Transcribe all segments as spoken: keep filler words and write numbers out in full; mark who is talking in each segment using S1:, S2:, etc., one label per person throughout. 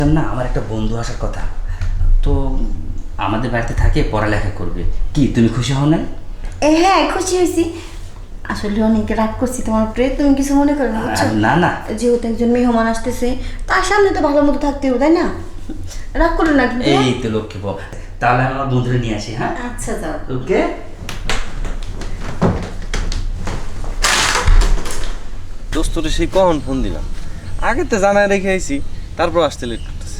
S1: না আমার একটা বন্ধু আসার কথা, তো আমাদের বাড়িতে থাকে, পড়ালেখা করবে। কি তুমি খুশি হও না?
S2: এ হ্যাঁ খুশি হয়েছি। আসলে অনেক রাগ করছি তোমার উপরে, তুমি কিছু মনে করো না বুঝছো?
S1: না না,
S2: যেহেতু একজন মেহমান আসতেছে তার সামনে তো ভালো মতো থাকতে হবে তাই না? রাগ করো না কিন্তু।
S1: এই তো লক্ষ্মী বউ, তাহলে আমার বন্ধুরে নিয়ে আসি। হ্যাঁ
S2: আচ্ছা যাও।
S1: ওকে।
S3: দোস্তরে সেই কখন ফোন দিলাম, আগে তো জানায় রেখে আইছি, তারপর আসতে লেট করতেছে।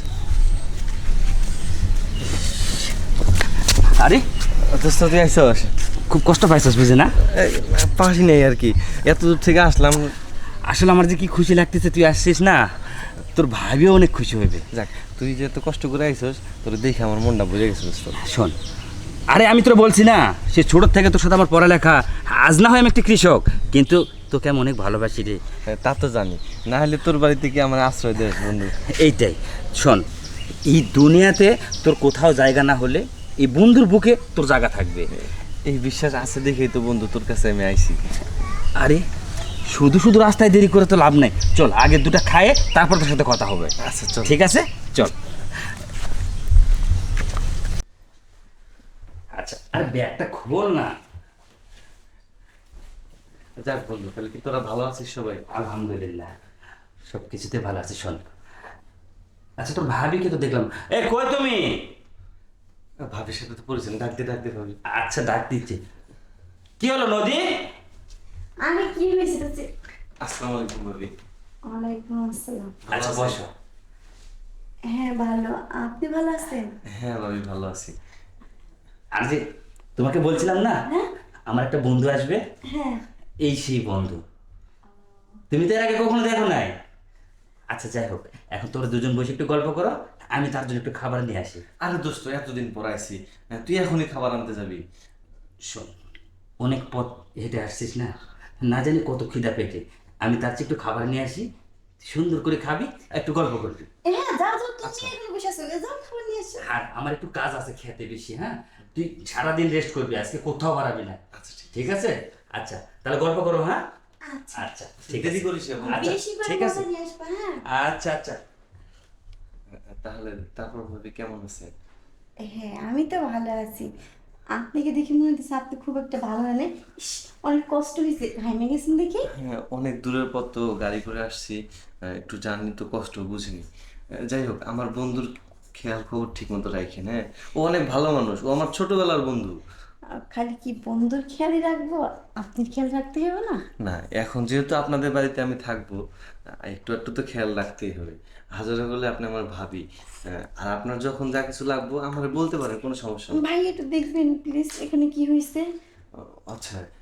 S1: আরে
S3: দোস্ত তুই আইসস,
S1: খুব কষ্ট পাইছিস বুঝে না?
S3: পাশি নেই আর কি, এত দূর থেকে আসলাম।
S1: আসলে আমার যে কি খুশি লাগতেছে তুই আসছিস না, তোর ভাবিও অনেক খুশি হইবে।
S3: যাক, তুই যে এত কষ্ট করে আইসস, তোর দেখে আমার মনটা বুঝে গেছে দোস্ত।
S1: শোন, আরে আমি তোর বলছি না, সে ছোটোর থেকে তোর সাথে আমার পড়ালেখা, আজ না হয় আমি একটা কৃষক, কিন্তু তোকে আমি অনেক ভালোবাসি রে।
S3: হ্যাঁ, তা তো জানি, না হলে তোর বাড়িতে কি আমার আশ্রয় দেয় বন্ধু?
S1: এইটাই। শোন, এই দুনিয়াতে তোর কোথাও জায়গা না হলে এই বন্ধুর বুকে তোর জায়গা থাকবে।
S3: এই বিশ্বাস আছে দেখেই তো বন্ধু তোর কাছে আমি আইছি।
S1: আরে শুধু শুধু রাস্তায় দেরি করে তো লাভ নাই, চল আগে দুটো খায়ে তারপর তোর সাথে কথা হবে।
S3: আচ্ছা চল।
S1: ঠিক আছে চল। আচ্ছা আরে ব্যাগটা খোল না।
S3: যাক বন্ধু, তাহলে কি তোরা ভালো আছিস সবাই?
S1: আলহামদুলিল্লাহ, সব কিছুতে ভালো আছি। শোন, আচ্ছা তোর ভাবিকে তো দেখলাম, এ কই তুমি?
S3: ভাবির সাথে তো পরিচয়, ডাকতে ডাকতে ভাবি।
S1: আচ্ছা ডাক দিচ্ছে। কি হলো নদী?
S2: আমি কি হয়েছে তো?
S3: আসসালামু আলাইকুম ভাবি।
S2: ওয়ালাইকুম আসসালাম।
S1: আচ্ছা বসো।
S2: হ্যাঁ ভালো, আপনি ভালো আছেন?
S3: হ্যাঁ ভাবি, ভালো আছি।
S1: আর যে তোমাকে বলছিলাম না,
S2: হ্যাঁ
S1: আমার একটা বন্ধু আসবে,
S2: হ্যাঁ।
S1: এই সেই বন্ধু। তুমি তো এর আগে কখনো দেখো নাই। আচ্ছা যাই হোক, এখন তোরা দুজন বসে একটু গল্প করো, আমি তার জন্য একটু খাবার নিয়ে আসি।
S3: আরে দোস্ত, এতদিন পর আইছি, তুই এখনই খাবার আনতে যাবি?
S1: শোন, অনেক পথ হেঁটে আসছিস না, না জানি কত খিদা পেটে, আমি তার চেয়ে একটু খাবার নিয়ে আসি, সুন্দর করে খাবি আর একটু গল্প করবি।
S2: হ্যাঁ যাও যাও, তুমি এখানে বসে আছো, যাও খাবার নিয়ে এসো।
S1: আর আমার একটু কাজ আছে খেতে বেশি। হ্যাঁ তুই সারাদিন রেস্ট করবি, আজকে কোথাও বাড়াবি না।
S3: আচ্ছা ঠিক
S1: ঠিক আছে? আচ্ছা তাহলে গল্প করো। হ্যাঁ
S2: আচ্ছা
S1: আচ্ছা ঠিক
S3: দেরি
S1: আছে।
S3: করিস এখন।
S1: আচ্ছা
S2: বেশি করে
S1: ঠিক আছে।
S2: মজা নিয়ে আসবা। হ্যাঁ
S1: আচ্ছা আচ্ছা।
S3: তাহলে তারপর ভাবি কেমন আছে?
S2: হ্যাঁ আমি তো ভালো আছি। আপনাকে দেখে মনে হচ্ছে আপনি খুব একটা ভালো নেই। অনেক কষ্ট হয়েছে, ঘামে গেছেন দেখি।
S3: হ্যাঁ, অনেক দূরের পথ তো, গাড়ি করে আসছি, আহ, একটু জার্নি তো কষ্ট বুঝিনি। আহ, যাই হোক, আমার বন্ধুর খেয়াল খবর ঠিক মতো রাখেন। হ্যাঁ, ও অনেক ভালো মানুষ, ও আমার ছোটবেলার বন্ধু।
S2: আহ, খালি কি বন্ধুর খেয়ালই রাখবো, আপনি খেয়াল রাখতে হবে না?
S3: না, এখন যেহেতু আপনাদের বাড়িতে আমি থাকবো, আহ, একটু একটু তো খেয়াল রাখতেই হবে। হাজারে হলে আপনি আমার ভাবি, আহ, আর আপনার যখন যা কিছু লাগবো আমার বলতে পারেন, কোনো সমস্যা নেই।
S2: ভাই একটু দেখবেন প্লিজ, এখানে কি হয়েছে?
S3: আচ্ছা,